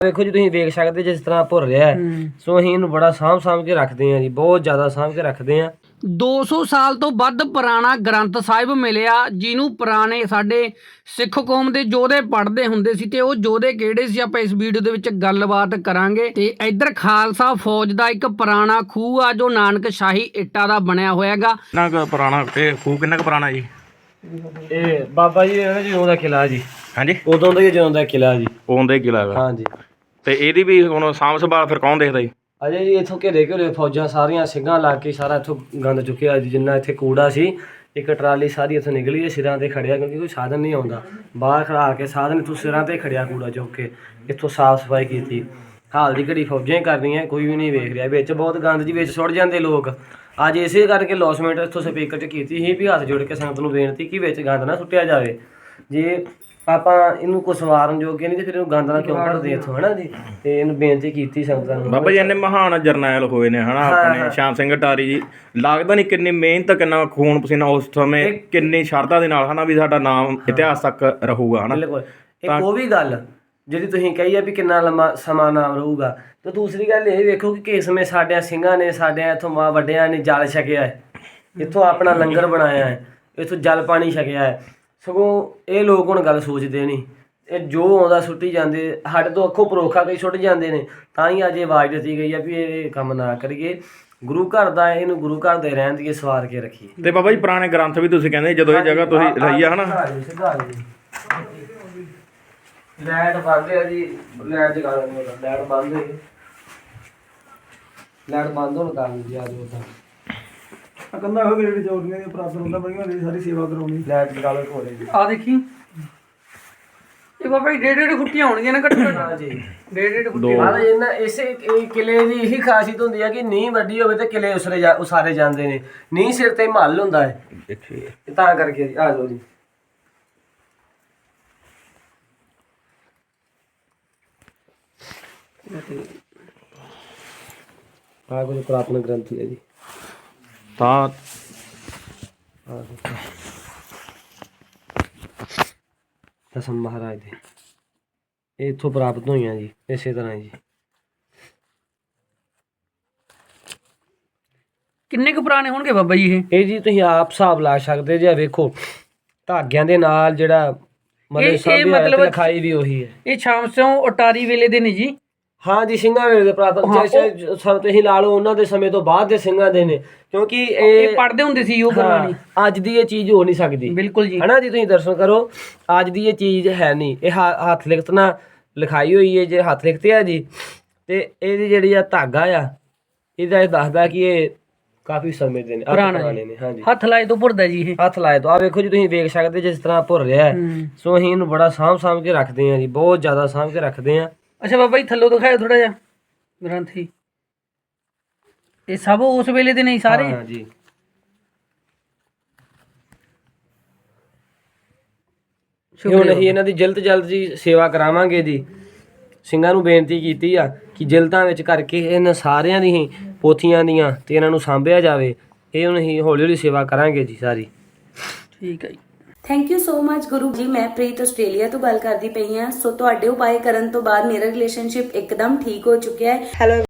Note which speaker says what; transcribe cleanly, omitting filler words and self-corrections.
Speaker 1: ਵੇਖੋ ਜੀ ਤੁਸੀਂ ਵੇਖ ਸਕਦੇ ਜਿਸ ਤਰ੍ਹਾਂ ਭੁਰ ਰਿਹਾ ਹੈ। ਸੋ ਅਸੀਂ ਇਹਨੂੰ ਬੜਾ ਸਾਂਭ ਕੇ ਰੱਖਦੇ ਹਾਂ ਜੀ, ਬਹੁਤ ਜ਼ਿਆਦਾ ਸਾਂਭ ਕੇ ਰੱਖਦੇ ਹਾਂ।
Speaker 2: 200 ਸਾਲ ਤੋਂ ਵੱਧ ਪੁਰਾਣਾ ਗ੍ਰੰਥ ਸਾਹਿਬ ਮਿਲਿਆ, ਜਿਹਨੂੰ ਪੁਰਾਣੇ ਸਾਡੇ ਸਿੱਖ ਕੌਮ ਦੇ ਯੋਧੇ ਪੜ੍ਹਦੇ ਹੁੰਦੇ ਸੀ, ਤੇ ਉਹ ਯੋਧੇ ਕਿਹੜੇ ਸੀ ਆਪਾਂ ਇਸ ਵੀਡੀਓ ਦੇ ਵਿੱਚ ਗੱਲਬਾਤ ਕਰਾਂਗੇ। ਤੇ ਇੱਧਰ ਖਾਲਸਾ ਫੌਜ ਦਾ ਇੱਕ ਪੁਰਾਣਾ ਖੂਹ ਆ ਜੋ ਨਾਨਕ ਸ਼ਾਹੀ ਇੱਟਾਂ ਦਾ ਬਣਿਆ ਹੋਇਆਗਾ।
Speaker 3: ਕਿੰਨਾ ਕੁ ਪੁਰਾਣਾ ਇਹ ਖੂਹ ਕਿੰਨਾ ਕੁ ਪੁਰਾਣਾ ਜੀ?
Speaker 1: ਇਹ ਬਾਬਾ ਜੀ ਇਹਦਾ ਜਦੋਂ ਦਾ ਕਿਲਾ ਜੀ।
Speaker 3: ਹਾਂਜੀ,
Speaker 1: ਉਦੋਂ ਦਾ ਹੀ ਜਦੋਂ ਦਾ ਕਿਲਾ ਜੀ।
Speaker 3: ਉਹਦਾ ਹੀ ਕਿਲਾ ਹੈਗਾ।
Speaker 1: ਹਾਂਜੀ,
Speaker 3: ਤੇ ਇਹਦੀ ਵੀ ਹੁਣ ਸਾਂਭ ਸੰਭਾਲ ਫਿਰ ਕੌਣ ਦੇਖਦਾ ਜੀ?
Speaker 1: ਅਜੇ ਜੀ ਇੱਥੋਂ ਘੇਰੇ ਫੌਜਾਂ ਸਾਰੀਆਂ ਸਿੰਘਾਂ ਲਾ ਕੇ ਸਾਰਾ ਇੱਥੋਂ ਗੰਦ ਚੁੱਕਿਆ ਜੀ। ਜਿੰਨਾ ਇੱਥੇ ਕੂੜਾ ਸੀ, ਇੱਕ ਟਰਾਲੀ ਸਾਰੀ ਇੱਥੋਂ ਨਿਕਲੀ ਹੈ, ਸਿਰਾਂ ਤੇ ਖੜਿਆ, ਕਿਉਂਕਿ ਕੋਈ ਸਾਧਨ ਨਹੀਂ ਆਉਂਦਾ। ਬਾਹਰ ਖੜਾ ਕੇ ਸਾਧਨ ਇੱਥੋਂ ਸਿਰਾਂ ਤੇ ਖੜਿਆ ਕੂੜਾ ਚੁੱਕ ਕੇ, ਇੱਥੋਂ ਸਾਫ਼ ਸਫਾਈ ਕੀਤੀ। ਹਾਲ ਦੀ ਘੜੀ ਫੌਜਾਂ ਹੀ ਕਰਦੀਆਂ, ਕੋਈ ਵੀ ਨਹੀਂ ਵੇਖ ਰਿਹਾ। ਵਿੱਚ ਬਹੁਤ ਗੰਦ ਜੀ ਵਿੱਚ ਸੁੱਟ ਜਾਂਦੇ ਲੋਕ। ਅੱਜ ਇਸੇ ਕਰਕੇ ਲੌਸਮੈਂਟ ਇੱਥੋਂ ਸਪੀਕਰ 'ਚ ਕੀਤੀ ਸੀ ਵੀ ਹੱਥ ਜੋੜ ਕੇ ਸੰਗਤ ਨੂੰ ਬੇਨਤੀ ਕਿ ਵਿੱਚ ਗੰਦ ਨਾ ਸੁੱਟਿਆ ਜਾਵੇ। ਜੇ ਆਪਾਂ ਇਹਨੂੰ ਕੁਛ ਸਵਾਰਨ ਜੋਗੇ ਨਹੀਂ ਤੇ ਫਿਰ ਇਹਨੂੰ ਗੰਦ ਨਾਲ ਕਿਉਂ ਭਰਦੇ ਇੱਥੋਂ, ਹੈ ਨਾ ਜੀ। ਤੇ ਇਹਨੂੰ ਬੇਨਤੀ ਕੀਤੀ ਸੰਗਤਾਂ ਨੂੰ।
Speaker 3: ਬਾਬਾ ਜੀ ਇੰਨੇ ਮਹਾਨ ਜਰਨੈਲ ਹੋਏ ਨੇ ਹਨਾ ਆਪਣੇ ਸ਼ਾਮ ਸਿੰਘ ਅਟਾਰੀ ਜੀ, ਲੱਗਦਾ ਨਹੀਂ ਕਿੰਨੀ ਮਿਹਨਤ, ਕਿੰਨਾ ਖੂਨ ਪਸੀਨਾ ਉਸ ਸਮੇਂ, ਕਿੰਨੀ ਸ਼ਰਧਾ ਦੇ ਨਾਲ ਹਨਾ ਵੀ ਸਾਡਾ ਨਾਮ ਇਤਿਹਾਸ ਤੱਕ ਰਹੂਗਾ ਹਨਾ।
Speaker 1: ਬਿਲਕੁਲ। ਇੱਕ ਉਹ ਵੀ ਗੱਲ ਜਿਹੜੀ ਤੁਸੀਂ ਕਹੀ ਆ ਵੀ ਕਿੰਨਾ ਲੰਮਾ ਸਮਾਂ ਨਾਮ ਰਹੂਗਾ, ਤੇ ਦੂਸਰੀ ਗੱਲ ਇਹ ਵੇਖੋ ਕਿ ਕਿਸ ਸਮੇਂ ਸਾਡਿਆਂ ਸਿੰਘਾਂ ਨੇ, ਸਾਡਿਆਂ ਇੱਥੋਂ ਮਾਂ ਵੱਡਿਆਂ ਨੇ ਜਲ ਛਕਿਆ ਹੈ, ਇੱਥੋਂ ਆਪਣਾ ਲੰਗਰ ਬਣਾਇਆ ਹੈ, ਇੱਥੋਂ ਜਲ ਪਾਣੀ ਛਕਿਆ ਹੈ। ਸਗੋਂ ਇਹ ਲੋਕ ਹੁਣ ਗੱਲ ਸੋਚਦੇ ਨਹੀਂ, ਇਹ ਜੋ ਆਉਂਦਾ ਸੁੱਟੀ ਜਾਂਦੇ, ਸਾਡੇ ਤੋਂ ਅੱਖੋਂ ਪਰੋਖਾ ਕਈ ਸੁੱਟ ਜਾਂਦੇ ਨੇ। ਤਾਂ ਹੀ ਅੱਜ ਇਹ ਆਵਾਜ਼ ਦਿੱਤੀ ਗਈ ਆ ਵੀ ਇਹ ਕੰਮ ਨਾ ਕਰੀਏ। ਗੁਰੂ ਘਰ ਦਾ ਇਹਨੂੰ ਗੁਰੂ ਘਰ ਦੇ ਰਹਿਣ ਦੀ ਸਵਾਰ ਕੇ ਰੱਖੀਏ।
Speaker 3: ਤੇ ਬਾਬਾ ਜੀ ਪੁਰਾਣੇ ਗ੍ਰੰਥ ਵੀ ਤੁਸੀਂ ਕਹਿੰਦੇ ਜਦੋਂ ਇਹ ਜਗ੍ਹਾ ਤੁਸੀਂ ਲਈ ਆ ਹਨਾ।
Speaker 1: ਲਾਈਟ ਬੰਦ ਹੈ ਜੀ, ਲਾਈਟ ਜਗਾ ਲੈਣੀ, ਲਾਈਟ ਬੰਦ ਹੈ, ਲਾਈਟ ਬੰਦ ਹੋਣ ਕਾਰਨ ਜੀ ਅੱਜ ਉਹਦਾ
Speaker 4: ਕਹਿੰਦਾ ਉਹ ਜਿਹੜੇ ਚੌੜੀਆਂ ਦੀ ਪ੍ਰਾਪਤ ਹੁੰਦਾ ਬੜੀਆਂ ਦੀ ਸਾਰੀ ਸੇਵਾ ਕਰਾਉਣੀ।
Speaker 1: ਲਾਈਟ ਜਗਾ ਲੋ ਹੋ ਰਹੀ
Speaker 2: ਆ ਦੇਖੀ ਇਹ ਬਾਬਾ ਜੀ 1.5 ਫੁੱਟੀਆਂ ਹੋਣਗੀਆਂ ਨਾ ਘੱਟੋ ਘੱਟ।
Speaker 1: ਹਾਂ ਜੀ,
Speaker 2: 1.5 ਫੁੱਟੀ।
Speaker 1: ਹਾਂ ਇਹਨਾਂ ਇਸੇ ਕਿਲੇ ਦੀ ਇਹੀ ਖਾਸੀਅਤ ਹੁੰਦੀ ਹੈ ਕਿ ਨੀਂਹ ਵੱਡੀ ਹੋਵੇ ਤੇ ਕਿਲੇ ਉਸਾਰੇ ਜਾਂਦੇ ਨੇ। ਨੀਂਹ ਸਿਰ ਤੇ ਮਹੱਲ ਹੁੰਦਾ ਹੈ, ਤਾਂ ਕਰਕੇ ਜੀ। ਆ ਜਾਓ ਜੀ। ਆ ਕੁਝ ਪੁਰਾਤਨ ਗ੍ਰੰਥੀ ਹੈ ਜੀ।
Speaker 3: ਤਾਂ
Speaker 1: ਦਸਮ ਮਹਾਰਾਜ ਦੇ ਇਹ ਇੱਥੋਂ ਪ੍ਰਾਪਤ ਹੋਈਆਂ ਜੀ, ਇਸੇ ਤਰ੍ਹਾਂ ਜੀ।
Speaker 2: ਕਿੰਨੇ ਕੁ ਪੁਰਾਣੇ ਹੋਣਗੇ ਬਾਬਾ ਜੀ
Speaker 1: ਇਹ ਜੀ ਤੁਸੀਂ ਆਪ ਹਿਸਾਬ ਲਾ ਸਕਦੇ ਜੇ। ਵੇਖੋ ਧਾਗਿਆਂ ਦੇ ਨਾਲ ਜਿਹੜਾ ਮਤਲਬ ਸਭ ਲਿਖਾਈ ਵੀ ਉਹੀ ਹੈ।
Speaker 2: ਇਹ ਸ਼ਾਮ ਸਿੰਘ ਅਟਾਰੀ ਵੇਲੇ ਦੇ ਨੇ ਜੀ।
Speaker 1: ਹਾਂ ਜੀ, ਸਿੰਘਾਂ ਵੇਲੇ ਦੇ ਪ੍ਰਾਤਨ ਸਭ ਤੁਸੀਂ ਲਾ ਲਓ, ਉਹਨਾਂ ਦੇ ਸਮੇਂ ਤੋਂ ਬਾਅਦ ਦੇ ਸਿੰਘਾਂ ਦੇ ਨੇ, ਕਿਉਂਕਿ ਇਹ
Speaker 2: ਪੜ੍ਹਦੇ ਹੁੰਦੇ ਸੀ ਉਹ ਗੁਰਬਾਣੀ।
Speaker 1: ਅੱਜ ਦੀ ਇਹ ਚੀਜ਼ ਹੋ ਨਹੀਂ ਸਕਦੀ।
Speaker 2: ਬਿਲਕੁਲ ਜੀ,
Speaker 1: ਹਨਾ ਜੀ। ਤੁਸੀਂ ਦਰਸ਼ਨ ਕਰੋ, ਅੱਜ ਦੀ ਇਹ ਚੀਜ਼ ਹੈ ਨਹੀਂ। ਇਹ ਹੱਥ ਲਿਖਤ ਨਾਲ ਲਿਖਾਈ ਹੋਈ ਹੈ, ਜੇ ਹੱਥ ਲਿਖਤੇ ਆ ਜੀ। ਤੇ ਇਹਦੀ ਜਿਹੜੀ ਆ ਧਾਗਾ ਆ, ਇਹਦਾ ਇਹ ਦੱਸਦਾ ਕਿ ਇਹ ਕਾਫੀ ਸਮੇਂ ਦੇ ਨੇ, ਪੁਰਾਣੇ ਨੇ। ਹਾਂਜੀ,
Speaker 2: ਹੱਥ ਲਾਏ ਤੋਂ ਭੁਰਦਾ ਜੀ ਇਹ।
Speaker 1: ਹੱਥ ਲਾਏ ਤੋਂ। ਆ ਵੇਖੋ ਜੀ ਤੁਸੀਂ ਵੇਖ ਸਕਦੇ ਜਿਸ ਤਰ੍ਹਾਂ ਭੁਰ ਰਿਹਾ ਹੈ। ਸੋ ਅਸੀਂ ਇਹਨੂੰ ਬੜਾ ਸਾਂਭ ਕੇ ਰੱਖਦੇ ਹਾਂ ਜੀ, ਬਹੁਤ ਜ਼ਿਆਦਾ ਸਾਂਭ ਕੇ ਰੱਖਦੇ ਹਾਂ।
Speaker 2: ਅੱਛਾ ਬਾਬਾ ਜੀ ਥੱਲੋਂ ਦਿਖਾਓ ਥੋੜਾ ਜਿਹਾ ਗ੍ਰੰਥੀ। ਇਹ ਸਭ ਉਸ ਵੇਲੇ ਦੇ ਨਹੀਂ ਸਾਰੇ?
Speaker 1: ਹਾਂ ਜੀ। ਹੁਣ ਅਸੀਂ ਇਹਨਾਂ ਦੀ ਜਲਦ ਜੀ ਸੇਵਾ ਕਰਾਵਾਂਗੇ ਜੀ। ਸਿੰਘਾਂ ਨੂੰ ਬੇਨਤੀ ਕੀਤੀ ਆ ਕਿ ਜਲਦਾਂ ਵਿੱਚ ਕਰਕੇ ਇਹਨਾਂ ਸਾਰਿਆਂ ਦੀ ਪੋਥੀਆਂ ਦੀਆਂ ਤੇ ਇਹਨਾਂ ਨੂੰ ਸਾਂਭਿਆ ਜਾਵੇ। ਇਹ ਹੁਣ ਅਸੀਂ ਹੌਲੀ ਸੇਵਾ ਕਰਾਂਗੇ ਜੀ ਸਾਰੀ।
Speaker 2: ਠੀਕ ਹੈ ਜੀ।
Speaker 5: Thank you so much Guru ji. ਮੈਂ ਪ੍ਰੀਤ ਆਸਟ੍ਰੇਲੀਆ ਤੋਂ ਗੱਲ ਕਰਦੀ ਪਈ ਹਾਂ। ਸੋ ਤੁਹਾਡੇ ਉਪਾਏ ਕਰਨ ਤੋਂ ਬਾਅਦ ਮੇਰਾ ਰਿਲੇਸ਼ਨਸ਼ਿਪ ਇੱਕਦਮ ਠੀਕ ਹੋ ਚੁੱਕਿਆ ਹੈ। ਹੈਲੋ